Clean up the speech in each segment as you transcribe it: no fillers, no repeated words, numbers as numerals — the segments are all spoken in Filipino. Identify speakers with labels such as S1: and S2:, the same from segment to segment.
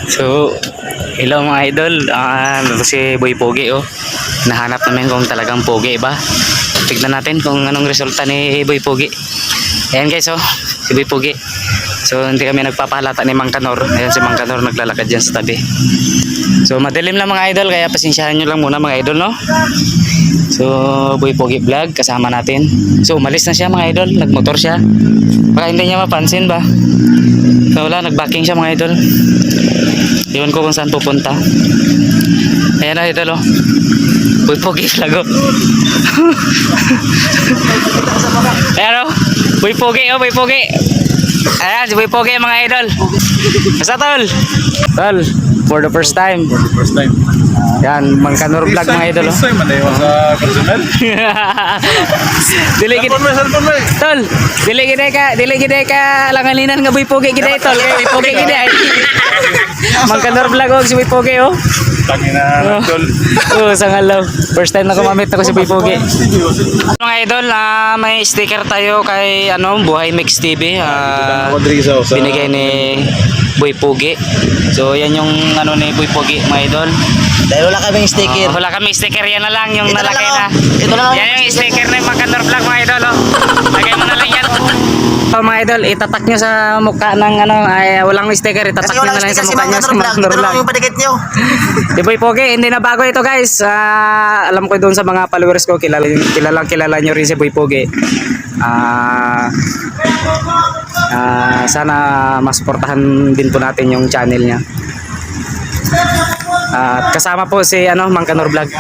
S1: So, hello mga idol. Ito si Boy Pogi oh. Nahanap namin kung talagang pogi ba. Tignan natin kung anong resulta ni Boy Pogi. Ayan guys oh, si Boy Pogi. So, hindi kami nagpapahalata ni Mang Kanor. Ayan si Mang Kanor naglalakad dyan sa tabi. So, madilim lang mga idol, kaya pasensyahan nyo lang muna mga idol, no? So, Boy Pogi Vlog, kasama natin. So, umalis na siya mga idol, nagmotor siya. Baka hindi niya mapansin ba? So, wala, nagbacking siya mga idol. Iwan ko kung saan pupunta. Ayan na idol oh. Boy Pogi Vlog oh. Ayan oh, Boy Pogi oh, Boy Pogi. Ayan, si Boy Pogi mga idol. Basta tol? Tol, for the first time.
S2: For the first time.
S1: Yan, Mang Kanor Vlog mga idol oh.
S2: First time, ano yung sa personal?
S1: Dili gid tol, dili gid ka langalinan nga Boy Pogi gid tol. Boy Pogi gid ay. Mang Kanor Vlog og si Boy Pogi oh.
S2: Tangina tol.
S1: Oh, sangalaw. First time na kumamit ako si Boy Pogi. Mga idol, may sticker tayo kay Buhay Mix TV. Binigay ni Boy Pogi. So yan yung ni Boy Pogi mga idol.
S3: Dahil wala kaming sticker.
S1: Wala kami sticker, yan na lang yung
S3: Ito
S1: nalagay
S3: lang,
S1: na.
S3: ito lang
S1: Yan yung sticker na yung Mang Kanor Vlog mga idol oh. Lagay mo na lang yan. So mga idol, itatak nyo sa mukha ng ay walang sticker, itatak
S3: Kasi
S1: nyo
S3: walang
S1: na lang
S3: sticker
S1: sa
S3: si
S1: mukha
S3: Mang
S1: nyo sa
S3: Kanor
S1: Mang
S3: Vlog.
S1: Kanor
S3: Ito lang
S1: Vlog.
S3: yung padikit nyo.
S1: Di Boy Pogi, hindi na bago ito guys. Alam ko doon sa mga followers ko, kilala nyo rin si Boy Pogi. Sana masuportahan din po natin yung channel niya. At kasama po si Mang Kanor Vlog.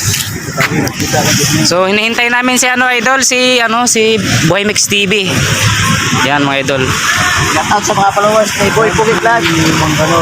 S1: So hinihintay namin si idol, si Boy Mix TV. Yan mga idol.
S3: Shout out sa mga followers ni Boy Pogi Vlog.
S2: Mang Kanor.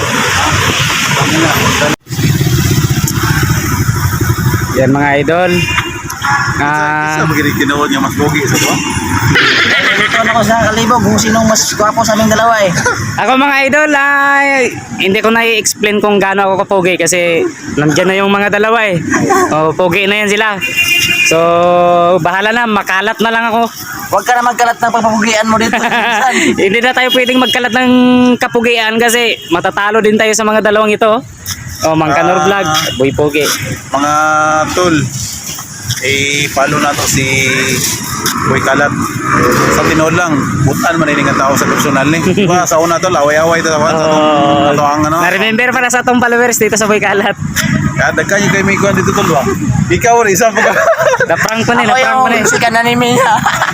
S1: Yan mga idol.
S2: Isa magiging kinawad niya mas pogi sa to.
S3: Ito na ko sa kalibog kung sinong mas gwapo sa aming dalawa eh.
S1: Ako mga idol, hindi ko na-i-explain kung gaano ako kapogi kasi nandiyan na yung mga dalawa eh. Pogi na yan sila. So, bahala na, makalat na lang ako.
S3: Huwag ka na magkalat ng pagpapugian mo dito.
S1: Hindi na tayo pwedeng magkalat ng kapugian kasi matatalo din tayo sa mga dalawang ito. Mang Kanor Vlog, Boy Pogi.
S2: Mga tol, follow na to si Boy Kalat. Sa tinod lang, butan man ang tao sa personal ni. Diba, sa una to, away-away to sa ang
S1: Na-remember para sa atong followers dito sa Boy Kalat.
S2: Kada kayo kay may kuhan dito tol ba? Ikaw rin, isa pa ka.
S1: Na-prank ko na,
S3: Ako yung sikan na ni Mia.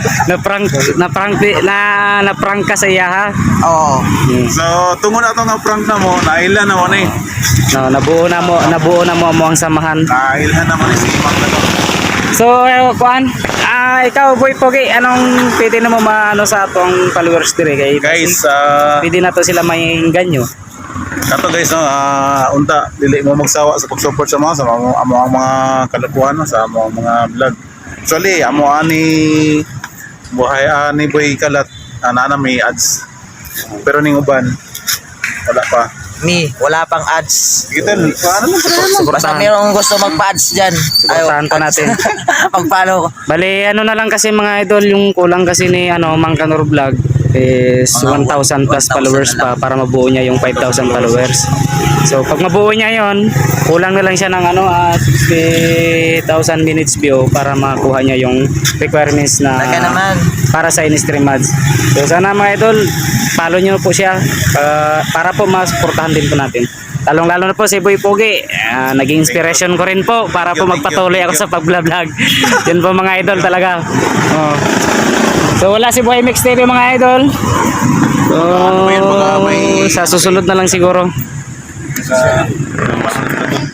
S1: Na-prank ka sa iya ha.
S3: Oo.
S2: So, tungo na to nga prank na mo, nailan na mo ni.
S1: No, nabuo na mo ang samahan.
S2: Nailan na mo ni si Mang Kanor.
S1: So, kuan, ikaw Boy Pogi, anong pwede na mo sa atong followers dire kay
S2: Guys,
S1: pwede na to sila mainggan nyo.
S2: kato guys no, unta dili mo magsawa sa pag-support sa mga kalakuan no, sa mga vlog. Actually, ani buhay ni Boy Kalat ana may ads. Pero ning uban wala pa.
S3: Wala pang ads.
S2: Sige tol, paano lang
S3: Basta mayroong gusto magpa-ads dyan.
S1: Suportahan pa natin.
S3: Magpalo ko.
S1: Bali, na lang kasi mga idol, yung kulang kasi ni Mang Kanor Vlog is 1,000 plus followers pa para mabuo niya yung 5,000 followers. So, pag mabuo niya yon, kulang na lang siya ng 60,000 minutes view para makuha niya yung requirements na para sa in-stream ads. So, sana mga idol, follow nyo po siya para po masuportahan din po natin. Lalong-lalo na po si Boy Pogi, naging inspiration ko rin po para po magpatuloy ako sa pag-vlog. Yun po mga idol talaga. So wala si Boy Mix TV mga idol. So sa susunod na lang siguro.